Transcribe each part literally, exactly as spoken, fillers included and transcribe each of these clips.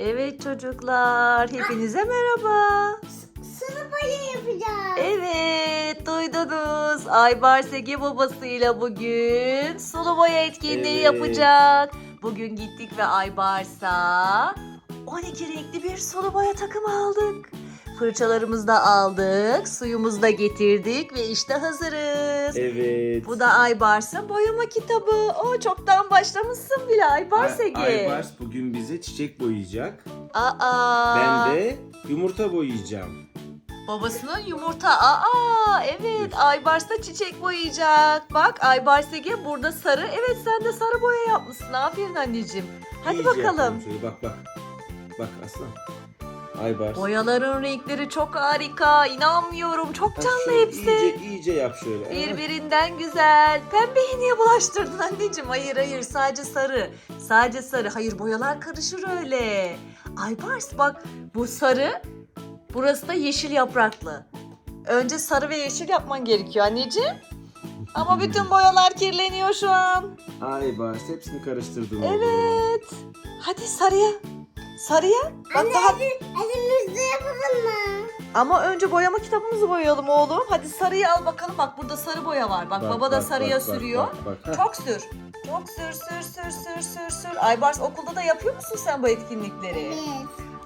Evet çocuklar, hepinize merhaba. Sulu boya yapacağız. Evet, duydunuz. Aybars Ege babasıyla bugün sulu boya etkinliği Evet. yapacak. Bugün gittik ve Aybars'a on iki renkli bir sulu boya takımı aldık. Fırçalarımızı da aldık, suyumuzu da getirdik ve işte hazırız. Evet. Bu da Aybars'ın boyama kitabı. O çoktan başlamışsın bile Aybars Ay- Ege. Aybars bugün bize çiçek boyayacak. Aa. Ben de yumurta boyayacağım. Babasının yumurta. Aa evet, Aybars da çiçek boyayacak. Bak Aybars Ege burada sarı. Evet sen de sarı boya yapmışsın. Aferin anneciğim. Hadi İyice bakalım. yapalım şöyle. Bak bak. Bak aslan. Aybars. Boyaların renkleri çok harika. İnanmıyorum. Çok Ha, canlı şöyle hepsi. İyice, iyice yap şöyle. Evet. Birbirinden güzel. Pembeyi niye bulaştırdın anneciğim? Hayır hayır, sadece sarı. Sadece sarı. Hayır, boyalar karışır öyle. Aybars bak, bu sarı. Burası da yeşil yapraklı. Önce sarı ve yeşil yapman gerekiyor anneciğim. Ama bütün boyalar kirleniyor şu an. Aybars hepsini karıştırdım. oğlum. Evet. Hadi sarıya. Sarıya. Bak Anne daha... hadi elimizde yapalım mı? Ama önce boyama kitabımızı boyayalım oğlum. Hadi sarıyı al bakalım. Bak burada sarı boya var. Bak, Bak, baba da bak, sarıya bak, bak, sürüyor. bak, bak. Heh. Çok sür. Çok sür sür sür sür sür sür. Aybars, okulda da yapıyor musun sen bu etkinlikleri? Evet.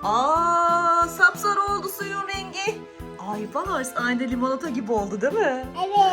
Aa, sapsarı oldu suyun rengi. Aybars aynı limonata gibi oldu değil mi?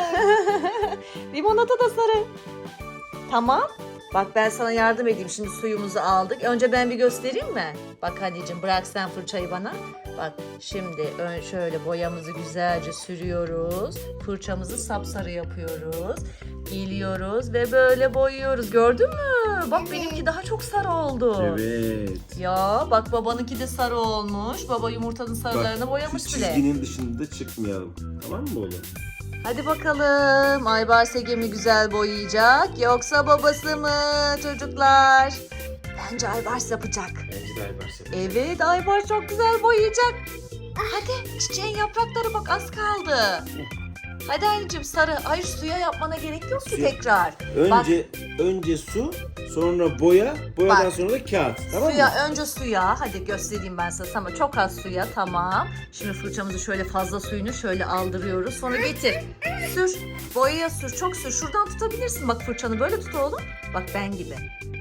Evet. Limonata da sarı. Tamam. Bak ben sana yardım edeyim. Şimdi suyumuzu aldık. Önce ben bir göstereyim mi? Bak anneciğim, bırak sen fırçayı bana. Bak şimdi ön şöyle boyamızı güzelce sürüyoruz. Fırçamızı sapsarı yapıyoruz. Geliyoruz ve böyle boyuyoruz. Gördün mü? Bak Evet. benimki daha çok sarı oldu. Evet. Ya bak babanınki de sarı olmuş. Baba yumurtanın sarılarını Bak, boyamış şu bile. çizginin dışında çıkmayalım. Tamam mı oğlum? Hadi bakalım. Aybars Ege mi güzel boyayacak yoksa babası mı çocuklar? Bence Aybars yapacak. Bence de Aybars yapacak. Evet, Aybars çok güzel boyayacak. Hadi çiçeğin yaprakları bak az kaldı. Hadi anneciğim sarı. Hayır, suya yapmana gerek yok ki Suya- tekrar. Önce önce su, sonra boya, boyadan Bak. sonra da kağıt. Tamam Suya, mı? önce suya. Hadi göstereyim ben sana. Tamam, çok az suya, tamam. Şimdi fırçamızı şöyle fazla suyunu şöyle aldırıyoruz. Sonra getir. Sür. Boyaya sür. Çok sür. Şuradan tutabilirsin. Bak fırçanı böyle tut oğlum. Bak ben gibi.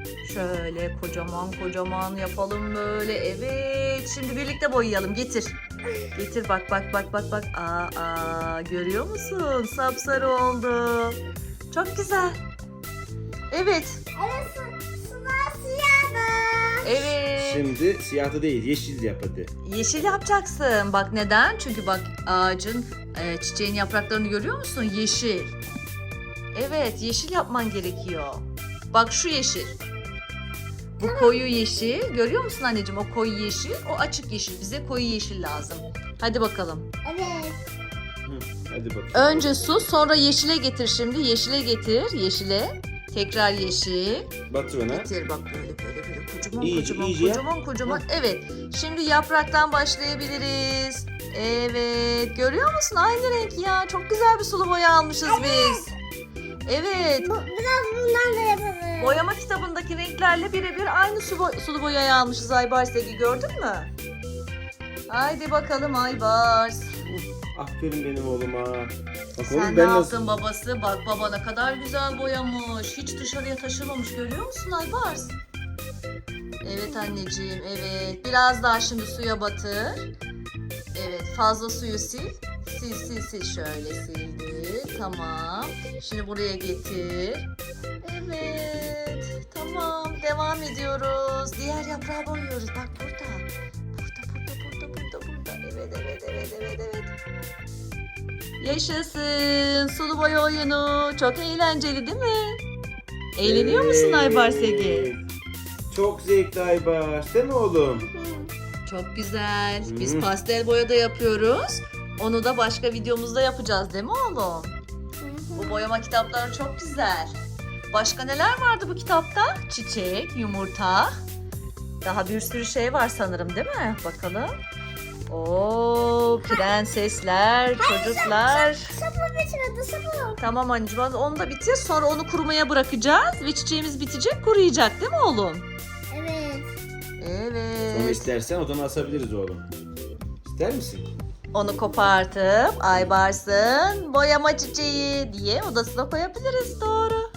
Şöyle kocaman kocaman yapalım böyle. Evet. Şimdi birlikte boyayalım. Getir. Getir bak bak bak bak bak. Aa, aa görüyor musun? Sapsarı oldu. Çok güzel. Evet. Evet su, sular siyahdı. Evet. Şimdi siyahı değil, yeşil yap hadi. Yeşil yapacaksın. Bak neden? Çünkü bak ağacın e, çiçeğin yapraklarını görüyor musun? Yeşil. Evet, yeşil yapman gerekiyor. Bak şu yeşil. Bu koyu yeşil. Görüyor musun anneciğim? O koyu yeşil, o açık yeşil. Bize koyu yeşil lazım. Hadi bakalım. Evet. Hı, hadi bakalım. Önce su, sonra yeşile getir şimdi. Yeşile getir, yeşile. Tekrar yeşil. Batır ona. Getir bak böyle böyle böyle kocaman İyice, kocaman iyice yap. kocaman kocaman. Evet. Şimdi yapraktan başlayabiliriz. Evet. Görüyor musun? Aynı renk ya. Çok güzel bir sulu boya almışız biz. Evet. Bu, biraz bundan da yapalım. Boyama kitabındaki renklerle birebir aynı su bo- sulu boyayı almışız Aybars Ege. Gördün mü? Haydi bakalım Aybars. Aferin benim oğluma. Bak Sen oğlum ne ben yaptın nasıl... babası? Bak baba ne kadar güzel boyamış. Hiç dışarıya taşımamış. Görüyor musun Aybars? Evet anneciğim, evet. Biraz daha şimdi suya batır. Evet, fazla suyu sil. Sil sil sil şöyle sildi. Tamam. Şimdi buraya getir. Evet. Tamam. Devam ediyoruz. Diğer yaprağı boyuyoruz. Bak burada. Burada burada burada burada burada. Evet evet evet evet evet. Yaşasın. Sulu boya oyunu. Çok eğlenceli değil mi? Eğleniyor musun Aybars Ege? Evet. Çok zevkli Aybars. Değil mi oğlum? Çok güzel. Biz Hmm. pastel boya da yapıyoruz. Onu da başka videomuzda yapacağız değil mi oğlum? Bu boyama kitapları çok güzel. Başka neler vardı bu kitapta? Çiçek, yumurta. Daha bir sürü şey var sanırım değil mi? Bakalım. Oo, prensesler, çocuklar. Sapı bitirdi sapı. Tamam anneciğim, onu da bitir. Sonra onu kurumaya bırakacağız ve çiçeğimiz bitecek, kuruyacak değil mi oğlum? Evet. Evet. Evet. istersen odana asabiliriz oğlum. İster misin? Onu kopartıp Aybars'ın boyama çiçeği diye odasına koyabiliriz. Doğru.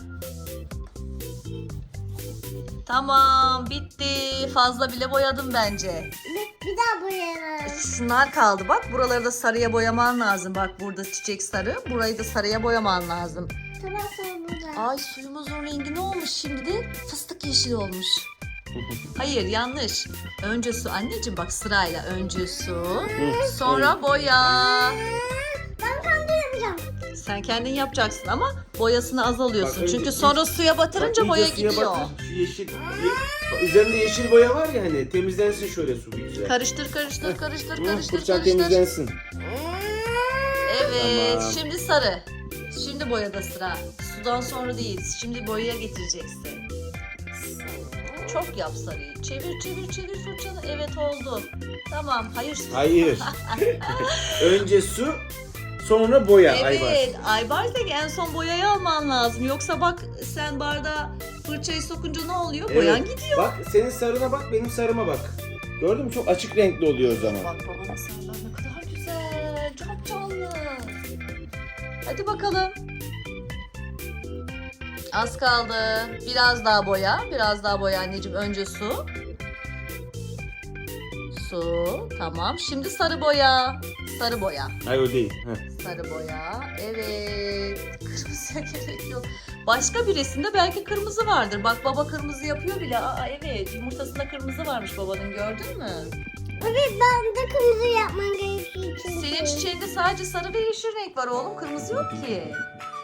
Tamam, bitti. Fazla bile boyadım bence. Bir, bir daha boyayalım. Şunlar kaldı bak. Buraları da sarıya boyaman lazım. Bak burada çiçek sarı. Burayı da sarıya boyaman lazım. Tamam sonra burada. Ay suyumuzun rengi ne olmuş şimdi de? Fıstık yeşili olmuş. Hayır yanlış. Önce su anneciğim bak sırayla. Önce su. Sonra boya. Ben kendi yapacağım. Sen kendin yapacaksın ama boyasını az alıyorsun. Bak, önce- Çünkü sonra suya batırınca Bak, boya iyice suya gidiyor. batır. Şu yeşil. ye- bak, üzerinde yeşil boya var ya hani temizlensin şöyle su bir güzel. Karıştır karıştır karıştır Hı, karıştır fırçan karıştır. temizlensin. Evet Tamam. şimdi sarı. Şimdi boyada sıra. Sudan sonra değil. Şimdi boyaya getireceksin. Çok yap sarıyı. Çevir çevir çevir fırçanı. Evet oldu. Tamam. Hayır. Hayır. Önce su, sonra boya. Aybars. Evet. Aybars en son boyayı alman lazım. Yoksa bak sen bardağa fırçayı sokunca ne oluyor? Boyan gidiyor. Bak senin sarına bak, benim sarıma bak. Gördün mü? Çok açık renkli oluyor o zaman. Bak babanın sarılar ne kadar güzel. Çok canlı. Hadi bakalım. Az kaldı. Biraz daha boya. Biraz daha boya anneciğim. Önce su. Su. Tamam. Şimdi sarı boya. Sarı boya. Hayır o değil. Heh. Sarı boya. Evet. Kırmızıya gerek yok. Başka bir resimde belki kırmızı vardır. Bak baba kırmızı yapıyor bile. Aa evet. Yumurtasında kırmızı varmış babanın. Gördün mü? Evet ben de kırmızı yapman gerekiyor çünkü. Senin çiçeğinde sadece sarı ve yeşil renk var oğlum. Kırmızı yok ki.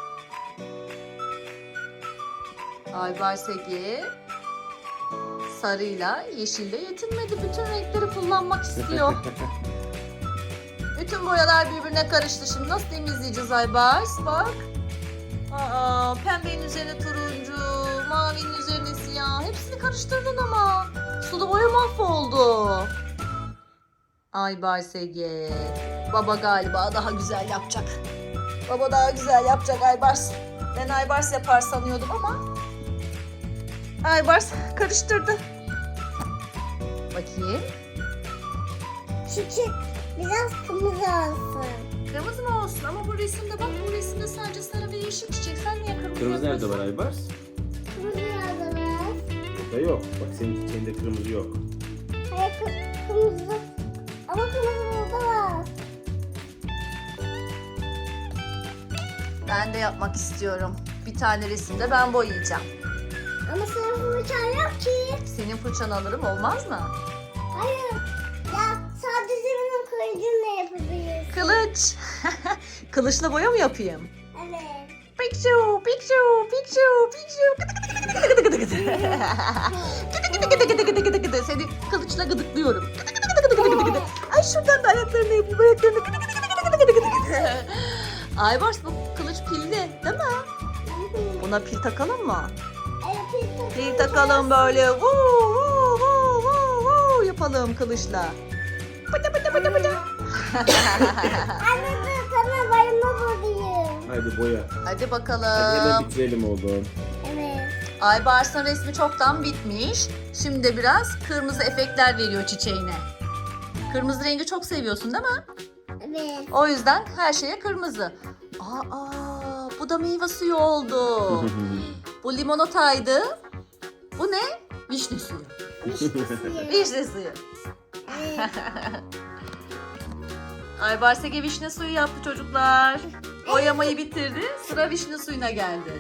Aybars Ege sarıyla yeşille yetinmedi. Bütün renkleri kullanmak istiyor. Bütün boyalar birbirine karıştı. Şimdi nasıl temizleyeceğiz Aybars? Bak. Aa, pembenin üzerine turuncu, mavinin üzerine siyah. Hepsini karıştırdın ama. Sulu boya mahvoldu. Aybars Ege. Baba galiba daha güzel yapacak. Baba daha güzel yapacak Aybars. Ben Aybars yapar sanıyordum ama Aybars karıştırdı. Bakayım. Çiçek biraz kırmızı olsun. Kırmızı mı olsun ama bu resimde bak bu resimde sadece sarı ve yeşil çiçek. Sen niye kırmızı Kırmızı nerede yapıyorsun? var Aybars? Kırmızı nerede var? Burada yok. Bak senin çiçeğinde kırmızı yok. Hayır kı- kırmızı. Ama kırmızı burada var. Ben de yapmak istiyorum. Bir tane resimde ben boyayacağım. Ama senin fırçan yok ki. Senin fırçanı alırım olmaz mı? Hayır. Ya sadece benim kılıcımla yapabiliriz. Kılıç. Kılıçla boya mı yapayım? Evet. Pikçu, pikçu, pikçu, pikçu. Gıdı gıdı gıdı gıdı gıdı. Gıdı gıdı gıdı gıdı gıdı gıdı. Seni kılıçla gıdıklıyorum. Gıdı gıdı gıdı gıdı gıdı. Ay şuradan da ayaklarını yapayım. Ayaklarını gıdı gıdı gıdı gıdı gıdı gıdı. Aybars bu kılıç pilli değil mi? Buna pil takalım mı? Evet, pil Pil takalım böyle. Vuu vuu vuu vuu vuu yapalım kılıçla. Bıdı bıdı bıdı bıdı. Anne dur sana bayılma bulayım. Haydi boya. Hadi Hadi bakalım. hemen bitirelim oğlum. Evet. Aybars'ın resmi çoktan bitmiş. Şimdi de biraz kırmızı efektler veriyor çiçeğine. Kırmızı rengi çok seviyorsun değil mi? Evet. O yüzden her şeye kırmızı. Aa, bu da meyve suyu oldu. Bu limonataydı. Bu ne? Vişne suyu. Vişne suyu. Evet. Aybars Ege vişne suyu yaptı çocuklar. Boyamayı bitirdi. Sıra vişne suyuna geldi.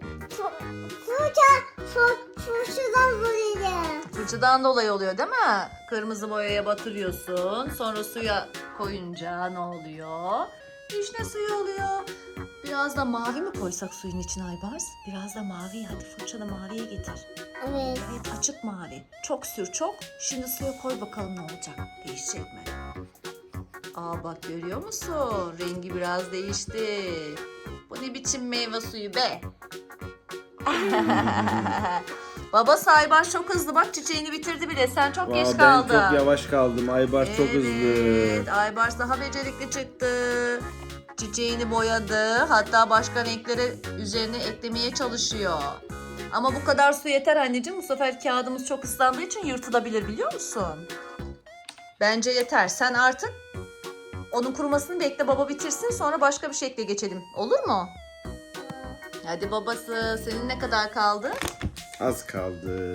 Fırça, fır, fırçadan bulayım. Fırçadan dolayı oluyor değil mi? Kırmızı boyaya batırıyorsun. Sonra suya koyunca ne oluyor? Vişne suyu oluyor. Biraz da mavi mi koysak suyun içine Aybars? Biraz da mavi. Hadi fırçanı maviye getir. Evet. Evet açık mavi. Çok sür çok. Şimdi suya koy bakalım ne olacak. Değişecek mi? Aa bak görüyor musun? Rengi biraz değişti. Bu ne biçim meyve suyu be? Baba Aybars çok hızlı bak çiçeğini bitirdi bile. Sen çok geç Aa, ben kaldın. çok yavaş kaldım. Aybars çok hızlı. Evet, Aybars daha becerikli çıktı. Çiçeğini boyadı. Hatta başka renkleri üzerine eklemeye çalışıyor. Ama bu kadar su yeter anneciğim. Bu sefer kağıdımız çok ıslandığı için yırtılabilir biliyor musun? Bence yeter. Sen artık onun kurumasını bekle, baba bitirsin, sonra başka bir şekle geçelim. Olur mu? Hadi babası, senin ne kadar kaldı? Az kaldı.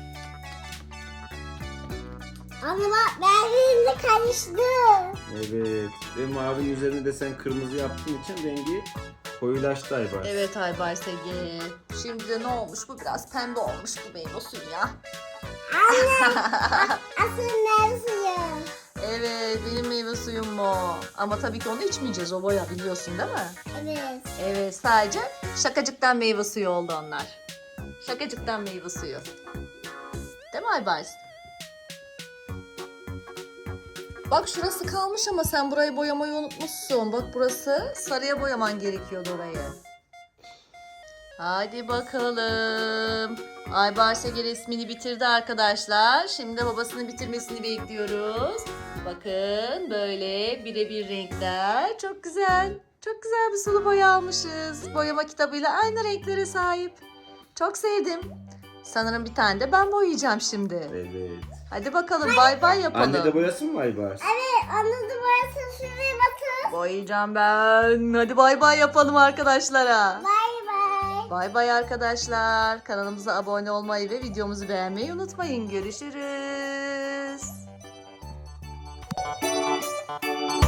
Ama bak benimle karıştı. Evet. Ve mavinin üzerine de sen kırmızı yaptığın için rengi koyulaştı Aybars. Evet Aybars Ege. Şimdi de ne olmuş? Bu biraz pembe olmuş bu meyve suyu ya. Asıl meyve suyu. Evet, benim meyve suyum bu. Ama tabii ki onu içmeyeceğiz, o boya, biliyorsun değil mi? Evet. Evet, sadece şakacıktan meyve suyu oldu onlar. Şakacıktan meyve suyu. Değil mi Aybars? Bak şurası kalmış ama sen burayı boyamayı unutmuşsun. Bak burası, sarıya boyaman gerekiyordu orayı. Hadi bakalım. Aybars Ege resmini bitirdi arkadaşlar. Şimdi babasının bitirmesini bekliyoruz. Bakın böyle birebir renkler. Çok güzel. Çok güzel bir sulu boya almışız. Boyama kitabıyla aynı renklere sahip. Çok sevdim. Sanırım bir tane de ben boyayacağım şimdi. Evet. Hadi bakalım, bay bay yapalım. Anne de boyasın mı Aybars? Evet anladım burası şuraya bakın. Boyayacağım ben. Hadi bay bay yapalım arkadaşlara. Bay bay. Bay bay arkadaşlar. Kanalımıza abone olmayı ve videomuzu beğenmeyi unutmayın. Görüşürüz.